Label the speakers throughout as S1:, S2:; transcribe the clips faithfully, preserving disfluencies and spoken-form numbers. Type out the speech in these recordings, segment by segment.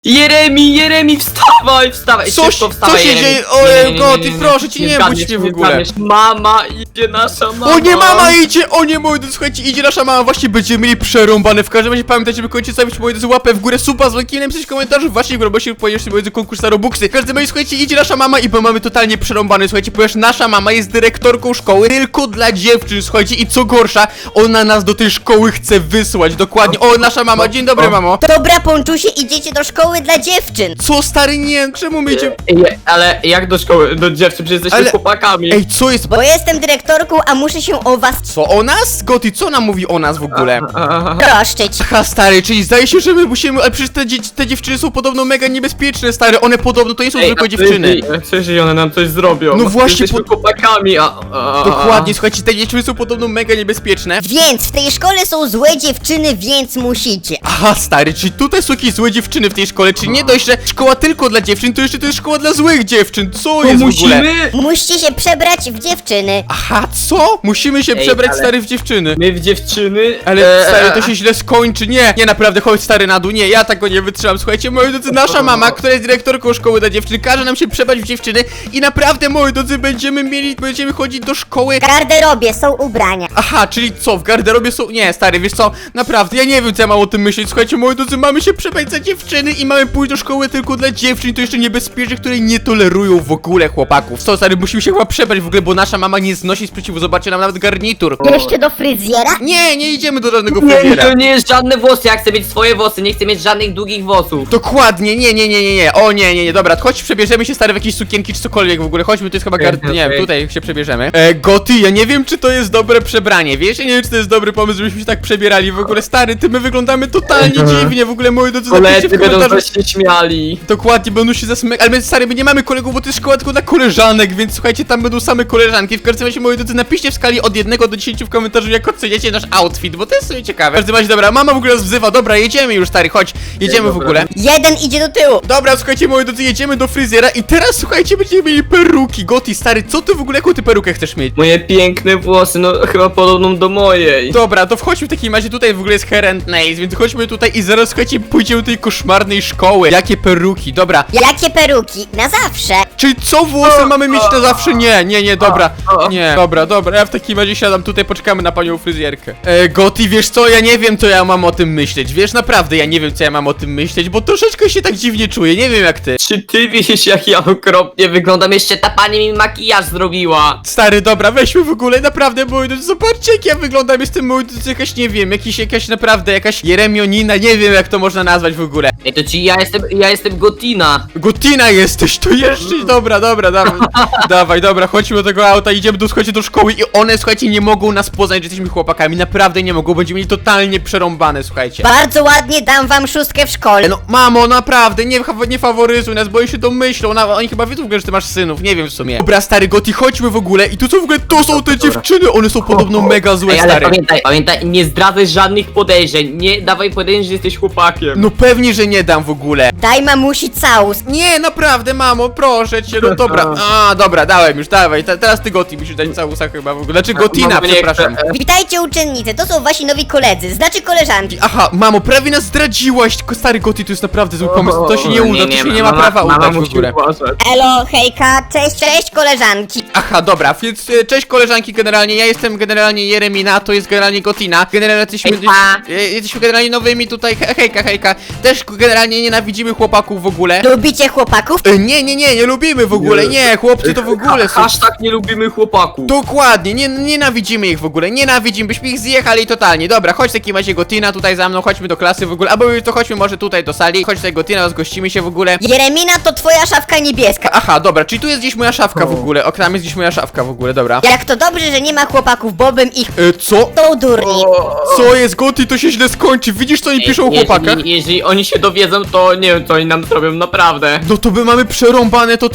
S1: Jeremi, Jeremi, wstawaj, wstawaj,
S2: Coś,
S1: szybko
S2: co
S1: wstawaj,
S2: się
S1: Jeremi.
S2: dzieje?
S1: Nie, nie, nie,
S2: O,
S1: nie,
S2: Goty,
S1: nie, nie,
S2: proszę cię, nie budź mnie w ogóle.
S1: zgadniesz. Mama idzie, nasza mama.
S2: O nie, mama idzie! O nie, moi drodzy, słuchajcie, idzie nasza mama, właśnie będziemy mieli przerąbane. W każdym razie pamiętajcie, żeby koniecznie stawić, moi drodzy, łapę w górę, suba z dzwonkiem, napisać komentarzu właśnie, bo się pojawisz, moi drodzy, konkurs na Robuxy. W każdym razie, słuchajcie, idzie nasza mama i bo mamy totalnie przerąbane, słuchajcie, ponieważ nasza mama jest dyrektorką szkoły tylko dla dziewczyn, słuchajcie, i co gorsza, ona nas do tej szkoły chce wysłać, dokładnie. O, nasza mama, dzień dobry, mamo.
S3: Dobra, Ponczusie, idziecie do szkoły dla dziewczyn.
S2: Co, stary, nie, czemu my idziemy?
S1: Ej, ale jak do szkoły, do dziewczyn, przecież jesteśmy
S2: Ale-
S1: chłopakami.
S2: Ej, co jest?
S3: Bo jestem dyrektorką, a muszę się o was
S2: Co, o nas? Goty, co nam mówi o nas w ogóle?
S1: Aha.
S3: troszczyć.
S2: Aha, stary, czyli zdaje się, że my musimy, ale przecież te, dzie te dziewczyny są podobno mega niebezpieczne, stary, one podobno to nie są zwykłe
S1: a
S2: dziewczyny.
S1: Przecież, przecież one nam coś zrobią.
S2: No właśnie,
S1: Jesteśmy
S2: po-
S1: chłopakami, a, a...
S2: Dokładnie, słuchajcie, te dziewczyny są podobno mega niebezpieczne.
S3: Więc w tej szkole są złe dziewczyny, więc musicie.
S2: Aha, stary, czyli tutaj są jakieś złe dziewczyny w tej szkole, czyli nie dość, że szkoła tylko dla dziewczyn, to jeszcze to jest szkoła dla złych dziewczyn, co
S1: To
S2: jest w ogóle?
S1: musimy...
S3: Musicie się przebrać w dziewczyny.
S2: Aha, co? Musimy się
S1: Ej,
S2: przebrać,
S1: ale-
S2: stary, w dziewczyny.
S1: My w dziewczyny...
S2: Ale
S1: e,
S2: stary, to
S1: e,
S2: się źle skończy, nie, nie naprawdę, chodź stary na dół, nie, ja tego nie wytrzymam, słuchajcie, moi drodzy, nasza mama, która jest dyrektorką szkoły dla dziewczyn, każe nam się przebrać w dziewczyny i naprawdę, moi drodzy, będziemy mieli, będziemy chodzić do szkoły.
S3: W garderobie są ubrania.
S2: Aha, czyli co, w garderobie są, nie, stary, wiesz co, naprawdę, ja nie wiem, co ja mam o tym myśleć, słuchajcie, moi drodzy, mamy się przebrać za dziewczyny i mamy pójść do szkoły tylko dla dziewczyn, to jeszcze niebezpiecznych, które nie tolerują w ogóle chłopaków. Co, stary, musimy się chyba przebrać w ogóle, bo nasza mama nie znosi sprzeciwu, zobaczcie nam nawet garnitur.
S3: Jeszcze do fryzjera?
S2: Nie, nie idziemy do żadnego
S1: Nie,
S2: fryzjera.
S1: to nie jest żadne włosy, ja chcę mieć swoje włosy, nie chcę mieć żadnych długich włosów.
S2: Dokładnie, nie, nie, nie, nie, nie, o nie, nie, nie, dobra, chodź przebierzemy się stary w jakieś sukienki czy cokolwiek w ogóle, chodźmy, to jest chyba gar... nie wiem, tutaj się przebierzemy. E, Goty, ja nie wiem, czy to jest dobre przebranie, wiesz, ja nie wiem, czy to jest dobry pomysł, żebyśmy się tak przebierali w ogóle, stary, ty, my wyglądamy totalnie dziwnie, w ogóle, moi drodzy, napiszcie
S1: Koledzy
S2: w
S1: będą
S2: komentarzu.
S1: się śmiali.
S2: Dokładnie, będą się zasmykać, ale my, stary, my nie mamy kolegów, bo to jest szkoła tylko dla koleżanek, więc słuchajcie, tam będą same koleżanki, w każdym razie, moi drodzy, napiszcie w skali od jednego do dziesięciu w komentarzu, jak oceniacie nasz outfit, bo to jest sobie ciekawe. W każdym razie, dobra, mama w ogóle nas wzywa, dobra, jedziemy już, stary, chodź, jedziemy w
S1: dobra.
S2: ogóle.
S3: Jeden idzie do tyłu.
S2: Dobra, słuchajcie, moi drodzy, jedziemy do fryzjera i teraz, słuchajcie, będziemy mieli peruki. Goty, stary, co ty w ogóle, jaką ty perukę chcesz mieć?
S1: Moje piękne włosy, no chyba podobną do mojej.
S2: Dobra, to wchodźmy w takim razie, tutaj w ogóle jest hair and nails, więc chodźmy tutaj i zaraz, słuchajcie, pójdziemy do tej koszmarnej szkoły. Jakie peruki, dobra.
S3: Jakie peruki? Na zawsze.
S2: Czyli co, włosy mamy mieć na zawsze? Nie, nie, nie, dobra,
S1: o.
S2: nie, dobra, dobra, ja w takim razie siadam tutaj, poczekamy na panią fryzjerkę. E, Goty, wiesz co, ja nie wiem, co ja mam o tym myśleć, wiesz, naprawdę, ja nie wiem, co ja mam o tym myśleć, bo troszeczkę się tak dziwnie czuję, nie wiem jak ty.
S1: Czy ty wiesz, jak ja okropnie wyglądam? Jeszcze ta pani mi makijaż zrobiła.
S2: Stary, dobra, weźmy w ogóle, naprawdę, moi drodzy, zobaczcie jak ja wyglądam, jestem, moi drodzy, jakaś, nie wiem, jakiś, jakaś naprawdę, jakaś Jeremionina, nie wiem jak to można nazwać w ogóle.
S1: Ej, to ci ja jestem, ja jestem Gotina.
S2: Gotina jesteś, to jeszcze, dobra, dobra, dawaj, dawaj, dobra, chodźmy do tego auta, idziemy do, słuchajcie, do szkoły i one, słuchajcie, nie mogą nas poznać, że jesteśmy chłopakami, naprawdę nie mogą, będziemy mieli totalnie przerąbane, słuchajcie.
S3: Bardzo ładnie dam wam szóstkę w szkole.
S2: No, mamo, naprawdę, nie, nie faworyzuj nas, bo oni się domyślą, na, oni chyba wiedzą, że ty masz synów, nie wiem w sumie. Dobra, stary, Goty, chodźmy w ogóle i tu są w ogóle, to są te dziewczyny, one są podobno mega złe,
S1: Ej, ale
S2: stary.
S1: pamiętaj, pamiętaj, nie zdradzaj żadnych podejrzeń. Nie dawaj podejrzeń, że jesteś chłopakiem.
S2: No pewnie, że nie dam w ogóle.
S3: Daj mamusi całus.
S2: Nie, naprawdę, mamo, proszę cię, no dobra. A, dobra, dałem już, dawaj. Te, teraz ty Goty musisz dać całusa chyba w ogóle. Znaczy Gotina,
S1: Mamo, nie
S2: przepraszam.
S1: chcę.
S3: Witajcie uczennice, to są wasi nowi koledzy, znaczy koleżanki.
S2: Aha, mamo, prawie nas zdradziłaś. Tylko stary Goty, to jest naprawdę zły pomysł. To się nie uda, to się nie ma
S1: mama-
S2: prawa
S1: mama
S2: udać w
S1: musi
S2: ogóle.
S1: uważać.
S3: Elo, hejka, cześć, cześć koleżanki.
S2: Aha, dobra, więc e, cześć koleżanki generalnie, ja jestem generalnie Jeremina, to jest generalnie Gotina. Generalnie jesteśmy,
S3: Hejka.
S2: e, jesteśmy generalnie nowymi tutaj, he, hejka, hejka. Też generalnie nienawidzimy chłopaków w ogóle.
S3: Lubicie chłopaków?
S2: E, nie, nie, nie, nie lubimy w ogóle, nie, chłopcy to w ogóle są.
S1: Hashtag nie lubimy chłopaków.
S2: Dokładnie, nie, nienawidzimy ich w ogóle, nienawidzimy, byśmy ich zjechali totalnie. Dobra, chodź w takim razie Gotina tutaj za mną, chodźmy do klasy w ogóle, albo to chodźmy może tutaj do sali, chodź tutaj Gotina, rozgościmy się w ogóle.
S3: Jeremina to twoja szafka niebieska.
S2: Aha, dobra, czyli tu jest gdzieś moja szafka w ogóle, o, tam jest gdzieś moja szafka w ogóle, dobra.
S3: Jak to dobrze, że nie ma chłopaków, bo bym ich
S2: E, co?
S3: tą durni.
S2: Co jest Goty, to się źle skończy, widzisz co oni piszą o chłopakach?
S1: Jeżeli, jeżeli oni się dowiedzą, to nie wiem, co oni nam zrobią, naprawdę.
S2: No to my mamy przerąbane totalnie.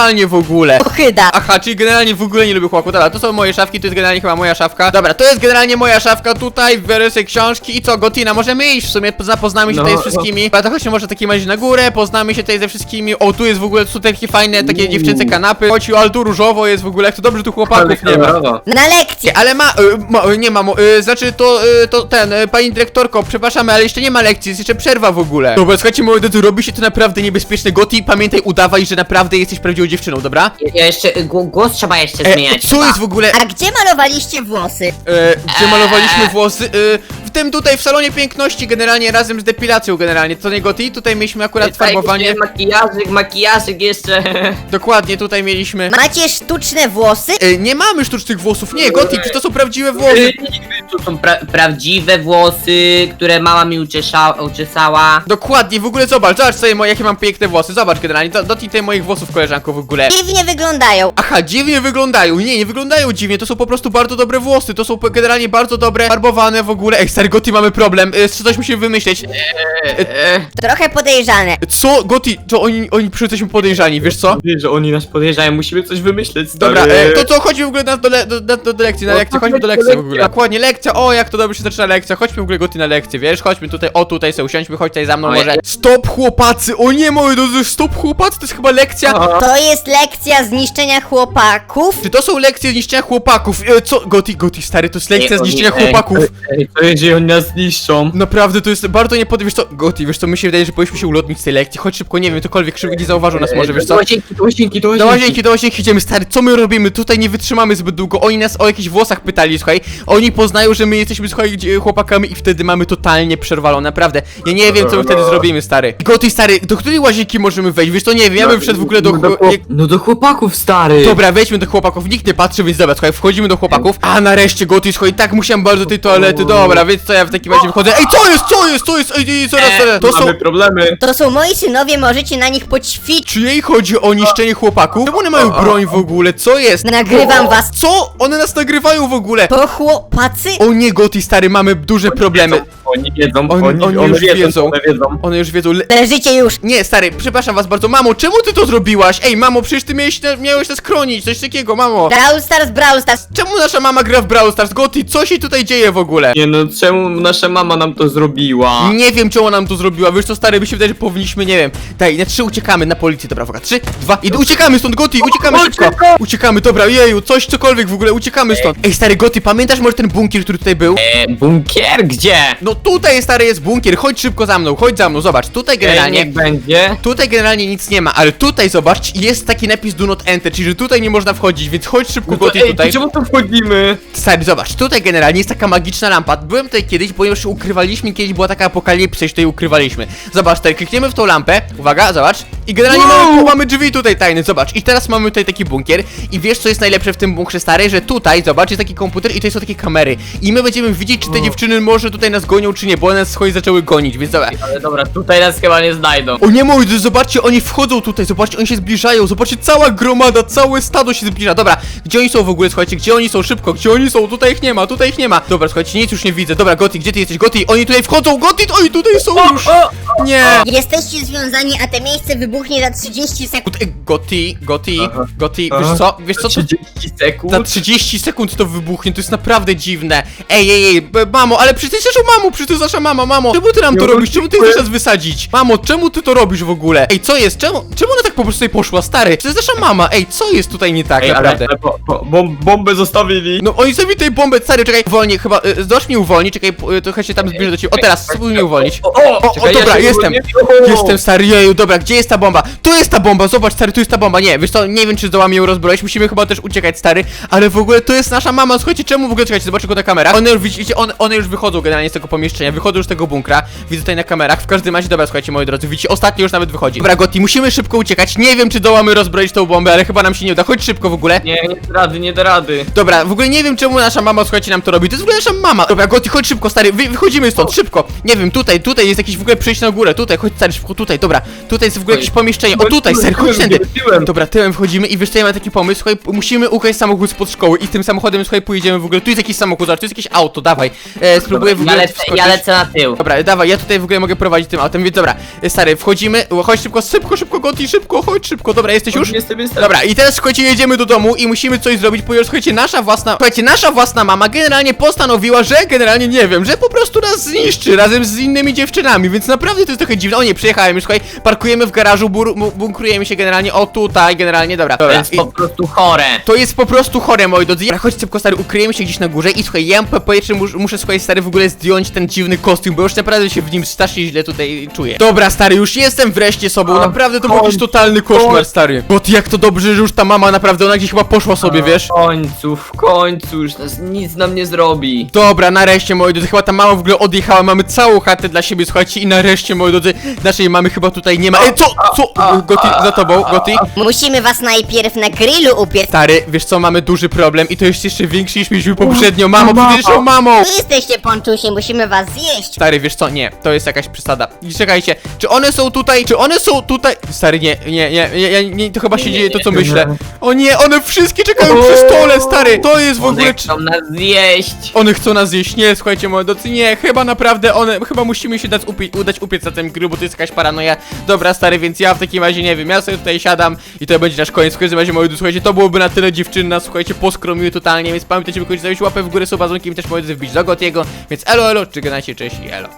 S2: totalnie w ogóle.
S3: Ochyda.
S2: Aha, czyli generalnie w ogóle nie lubię chłopaków. Dobra, to są moje szafki, to jest generalnie chyba moja szafka. Dobra, to jest generalnie moja szafka tutaj, biorę sobie książki i co, Gotina, możemy iść w sumie, zapoznamy się
S1: No,
S2: tutaj z
S1: no.
S2: wszystkimi. Dobra, to chodźmy może takim razie na górę, poznamy się tutaj ze wszystkimi. O, tu jest w ogóle, tu są takie fajne, takie
S1: Uuu.
S2: dziewczęce kanapy. Chodź, ale tu różowo jest w ogóle, jak to dobrze tu chłopaków nie ma.
S1: kolorowo.
S3: Na lekcję.
S2: Ale ma, y, ma y, nie mamo, y, znaczy to, y, to ten, y, pani dyrektorko, przepraszamy, ale jeszcze nie ma lekcji, jest jeszcze przerwa w ogóle. Dobra, słuchajcie, moi drodzy, robi się to naprawdę niebezpieczne. Goti, pamiętaj, udawaj, że naprawdę jesteś prawdziwą dziewczyną, dobra?
S1: Ja, ja jeszcze, gł- głos trzeba jeszcze
S2: E,
S1: zmieniać.
S2: co jest w ogóle?
S3: A gdzie malowaliście włosy?
S2: E, gdzie malowaliśmy włosy? E, w tym tutaj, w salonie piękności, generalnie razem z depilacją, generalnie, co nie Goti? Tutaj mieliśmy akurat farbowanie.
S1: Makijażyk, makijażyk jeszcze.
S2: Dokładnie, tutaj mieliśmy.
S3: Macie sztuczne włosy?
S2: E, nie mamy sztucznych włosów, nie, Goti, czy to są prawdziwe włosy?
S1: Y, To są pra prawdziwe włosy, które mama mi uczesza uczesała.
S2: Dokładnie, w ogóle zobacz, zobacz sobie, moje, jakie mam piękne włosy, zobacz generalnie, do- dotknij tutaj moich włosów, koleżanko, w ogóle.
S3: Dziwnie wyglądają.
S2: Aha, dziwnie wyglądają, nie, nie wyglądają dziwnie, to są po prostu bardzo dobre włosy, to są po- generalnie bardzo dobre, farbowane w ogóle. Ej, stary, Goti, mamy problem, e, coś musimy wymyśleć.
S1: E,
S3: Trochę podejrzane.
S2: Co, Goti, to oni, oni przyjdą podejrzani, wiesz co?
S1: Wiesz, że oni nas podejrzają, musimy coś wymyśleć.
S2: Dobra,
S1: stary.
S2: e, to co, chodźmy w ogóle na, do, le, do, do, do, do lekcji, na
S1: No,
S2: lekcję,
S1: tak,
S2: chodźmy do
S1: lekcja,
S2: lekcji w ogóle.
S1: lekcja.
S2: Dokładnie, lekcja, o jak to dobrze się zaczyna lekcja, chodźmy w ogóle Goti na lekcję, wiesz, chodźmy tutaj, o tutaj sobie usiądźmy, chodź tutaj za mną
S1: Oj.
S2: może. Stop chłopacy, o nie moi drodzy, stop chłopacy, to jest chyba lekcja.
S1: O,
S3: To jest lekcja zniszczenia chłopaków.
S2: Czy to są lekcje zniszczenia chłopaków? E, co, Goti, Goti, stary, to jest lekcja
S1: Ej, oni-
S2: zniszczenia
S1: ej,
S2: chłopaków.
S1: Ej, to jeżeli oni nas zniszczą.
S2: Naprawdę, to jest bardzo niepodobne, wiesz co, Goti, wiesz co, mi się wydaje, że powinniśmy się ulotnić z tej lekcji, chodź szybko, nie wiem, ktokolwiek szybko nie zauważył nas może, wiesz
S1: Do
S2: co?
S1: łazienki, do łazienki, do
S2: Do
S1: łazienki.
S2: łazienki, do łazienki idziemy, stary, co my robimy? Tutaj nie wytrzymamy zbyt długo, oni nas o jakichś włosach pytali, słuchaj, oni poznają, że my jesteśmy, słuchaj, gdzie- chłopakami i wtedy mamy totalnie przerwalone, naprawdę, ja nie wiem, co my wtedy zrobimy, stary. Goti, stary, do której łazienki możemy wejść, wiesz, to nie wiem, ja bym wszedł w ogóle do...
S1: No do,
S2: chło- jak-
S1: no do chłopaków, stary.
S2: Dobra, wejdźmy do chłopaków, nikt nie patrzy, więc dobra, słuchaj, wchodzimy do chłopaków. A nareszcie, Goti, słuchaj, tak musiałem bardzo do tej toalety, dobra, więc co ja w takim razie wychodzę. Ej, co jest, co jest, co jest, ej, ej, zaraz, zaraz, to są...
S1: Mamy problemy.
S3: To są moi synowie, możecie na nich poćwiczyć.
S2: Czy jej chodzi o niszczenie chłopaków? Czemu one mają broń w ogóle, co jest?
S3: Nagrywam was.
S2: Co? One nas nagrywają w ogóle!
S3: To chłopacy?
S2: O nie, Goti, stary, mamy duże problemy.
S1: Oni wiedzą,
S2: Oni-
S1: oni,
S2: oni
S1: one
S2: już
S1: wiedzą,
S2: wiedzą.
S1: one wiedzą.
S2: One już wiedzą. Le...
S3: Leżycie już.
S2: Nie, stary, przepraszam was bardzo. Mamo, czemu ty to zrobiłaś? Ej, mamo, przecież ty miałeś, na, miałeś nas chronić, coś takiego, mamo.
S3: Brawl Stars, Brawl Stars.
S2: Czemu nasza mama gra w Brawl Stars? Goti, co się tutaj dzieje w ogóle?
S1: Nie no, czemu nasza mama nam to zrobiła?
S2: Nie wiem, czemu nam to zrobiła. Wiesz co, stary, mi się wydaje, że powinniśmy, nie wiem. Daj, na trzy uciekamy na policję, dobra, uwaga. Trzy, dwa, i uciekamy stąd, Goti, uciekamy szybko. Uciekamy, dobra, jeju, coś, cokolwiek w ogóle, uciekamy stąd. Ej, stary, Goti, pamiętasz może ten bunkier, który tutaj był?
S1: E, bunkier? Gdzie?
S2: No tutaj, stary, jest bunkier, chodź szybko za mną, chodź za mną, zobacz, tutaj
S1: Ej,
S2: generalnie...
S1: niech będzie.
S2: Tutaj generalnie nic nie ma, ale tutaj zobacz, jest taki napis do not enter, czyli że tutaj nie można wchodzić, więc chodź szybko,
S1: No to,
S2: Goti,
S1: ej,
S2: tutaj.
S1: to czemu tu wchodzimy?
S2: Stary, zobacz, tutaj generalnie jest taka magiczna lampa. Byłem tutaj kiedyś, ponieważ ukrywaliśmy, kiedyś była taka apokalipsa i się tutaj ukrywaliśmy. Zobacz, tutaj klikniemy w tą lampę, uwaga, zobacz. I generalnie
S1: Wow!
S2: mamy, mamy drzwi tutaj tajne, zobacz. I teraz mamy tutaj taki bunkier. I wiesz, co jest najlepsze w tym bunkrze, stary? Że tutaj, zobacz, jest taki komputer i tutaj są takie kamery. I my będziemy widzieć, czy te dziewczyny może tutaj nas gonią, czy nie, bo one nas chodzi zaczęły gonić, więc zobacz.
S1: Ale dobra, tutaj nas chyba nie znajdą.
S2: O nie moi, drodzy, zobaczcie, oni wchodzą tutaj, zobaczcie, oni się zbliżają, zobaczcie, cała gromada, całe stado się zbliża. Dobra, gdzie oni są w ogóle, słuchajcie, gdzie oni są, szybko, gdzie oni są, tutaj ich nie ma, tutaj ich nie ma. Dobra, słuchajcie, nic już nie widzę, dobra, Goti, gdzie ty jesteś, Goti, oni tutaj wchodzą, Goti, oni tutaj są już. Nie.
S3: Jesteście związani, a te miejsce wybuchnie za trzydzieści sekund.
S2: Ej, Goti, Goti,
S1: Aha.
S2: Goti,
S1: Aha.
S2: wiesz co, wiesz co, to
S1: trzydzieści sekund?
S2: za trzydzieści sekund to wybuchnie, to jest naprawdę dziwne. Ej, ej, ej, b- mamo, ale przecież ty jesteś mamo, przecież to jest nasza mama, mamo. Czemu ty nam to
S1: Ja
S2: robisz? Czemu ty
S1: dziękuję.
S2: chcesz nas wysadzić? Mamo, czemu ty to robisz w ogóle? Ej, co jest? Czemu, czemu ona tak po prostu tutaj poszła, stary? To jest nasza mama, ej, co jest tutaj nie tak
S1: Ej, ale,
S2: naprawdę?
S1: ale bo, bo, bom, bombę zostawili.
S2: No oni sobie tutaj bombę, stary, czekaj, uwolnij, chyba, y, zdąż mnie uwolnić, czekaj, p- y, trochę się tam zbliżę do ciebie. O, teraz, spróbuj mnie uwolnić.
S1: O, o,
S2: O,
S1: czekaj,
S2: o, dobra,
S1: ja się
S2: jestem.
S1: uwolniłem. O!
S2: Jestem, stary, jeju, dobra, gdzie jest ta bomba? Tu jest ta bomba, zobacz, stary, tu jest ta bomba, nie, wiesz co, nie wiem, czy zdołamy ją rozbroić, musimy chyba też uciekać, stary, ale w ogóle to jest nasza mama, słuchajcie, czemu w ogóle, czekajcie, zobaczcie go na kamerach, one już, widzicie, one, one już wychodzą generalnie z tego pomieszczenia, wychodzą już z tego bunkra, widzę tutaj na kamerach, w każdym razie, dobra, słuchajcie, moi drodzy, widzicie, ostatni już nawet wychodzi. Dobra, Goti, musimy szybko uciekać, nie wiem, czy dołamy rozbroić tą bombę, ale chyba nam się nie uda, chodź szybko w ogóle.
S1: Nie, nie da rady, nie da rady.
S2: Dobra, w ogóle nie wiem, czemu nasza mama, słuchajcie, nam to robi, to jest w ogóle nasza mama. Dobra, Goti, chodź szybko, stary, wy, wychodzimy stąd, szybko, nie wiem, tutaj, tutaj jest jakieś w ogóle przejście na górę, tutaj, chodź, stary, szybko, tutaj, dobra, tutaj jest w ogóle jakiś pomieszczenie. O tutaj, ser, chodź tędy. Dobra, tyłem wchodzimy i wiesz co, ja mam taki pomysł, słuchaj, musimy ukraść samochód spod szkoły i tym samochodem, słuchaj, pojedziemy w ogóle, tu jest jakiś samochód, zobacz, tu jest jakieś auto, dawaj, e, spróbuję w ogóle
S1: Ja lecę,
S2: wskoczyć.
S1: ja lecę na tył.
S2: Dobra, dawaj, ja tutaj w ogóle mogę prowadzić tym autem, więc dobra, e, stary, wchodzimy, o, chodź szybko, szybko, szybko, Goti, szybko, chodź szybko, dobra, jesteś już?
S4: Jestem, jestem.
S2: Dobra, i teraz słuchajcie, jedziemy do domu i musimy coś zrobić, ponieważ słuchajcie, nasza własna, słuchajcie, nasza własna mama generalnie postanowiła, że generalnie nie wiem, że po prostu nas zniszczy razem z innymi dziewczynami, więc naprawdę to jest trochę dziwne. O nie, przyjechałem już, słuchaj, parkujemy w garażu, bur, bu- bunkrujemy się generalnie, o tutaj, generalnie, dobra.
S1: To
S2: dobra.
S1: jest
S2: I-
S1: po prostu chore.
S2: To jest po prostu chore, moi drodzy. Dobra, chodź szybko, stary, ukryjemy się gdzieś na górze i słuchaj, ja po po pierwsze mus, muszę, słuchaj, stary, w ogóle zdjąć ten dziwny kostium, bo już naprawdę się w nim strasznie źle tutaj czuję. Dobra, stary, już jestem wreszcie sobą,
S4: A,
S2: naprawdę to był jakiś
S4: chodź,
S2: totalny koszmar,
S4: chodź.
S2: stary. Bo ty, jak to dobrze, że już ta mama naprawdę, ona gdzieś chyba poszła sobie, wiesz?
S4: W końcu, w końcu, już nas nic nam nie zrobi.
S2: Dobra, nareszcie, moi drodzy, chyba ta mama w ogóle odjechała, mamy całą chatę dla siebie, słuchajcie, i nareszcie, moi drodzy, naszej mamy chyba tutaj nie ma. Ej, co, co, Goti, za tobą, Goti?
S3: Musimy was najpierw na grillu upiec.
S2: Stary, wiesz co, mamy duży problem i to jest jeszcze większy niż mieliśmy poprzednio. Mamo, przecież o mamą!
S3: Wy jesteście ponczusie, musimy was zjeść.
S2: Stary, wiesz co, nie, to jest jakaś przesada. I czekajcie, czy one są tutaj, czy one są tutaj? Stary, nie, nie, nie, nie, nie, nie to chyba się dzieje to, co myślę. O nie, one wszystkie czekają przy stole, stary! To jest w ogóle...
S1: One chcą nas zjeść.
S2: One chcą nas zjeść, nie, słuchajcie, moi drodzy, nie, chyba naprawdę one, chyba musimy się dać upie udać upiec na tym grillu, bo to jest jakaś paranoja. Dobra, stary, więc ja w takim razie, nie wiem, ja sobie tutaj siadam i to będzie nasz koniec. W każdym razie, moi drodzy, słuchajcie, to byłoby na tyle, dziewczyny nas, słuchajcie, poskromiły totalnie, więc pamiętajcie, by kończyć zostawić łapę w górę, suba z dzwonkiem, też moi drodzy, wbić do Gotiego, więc elo, elo, czy gadajcie, cześć i elo.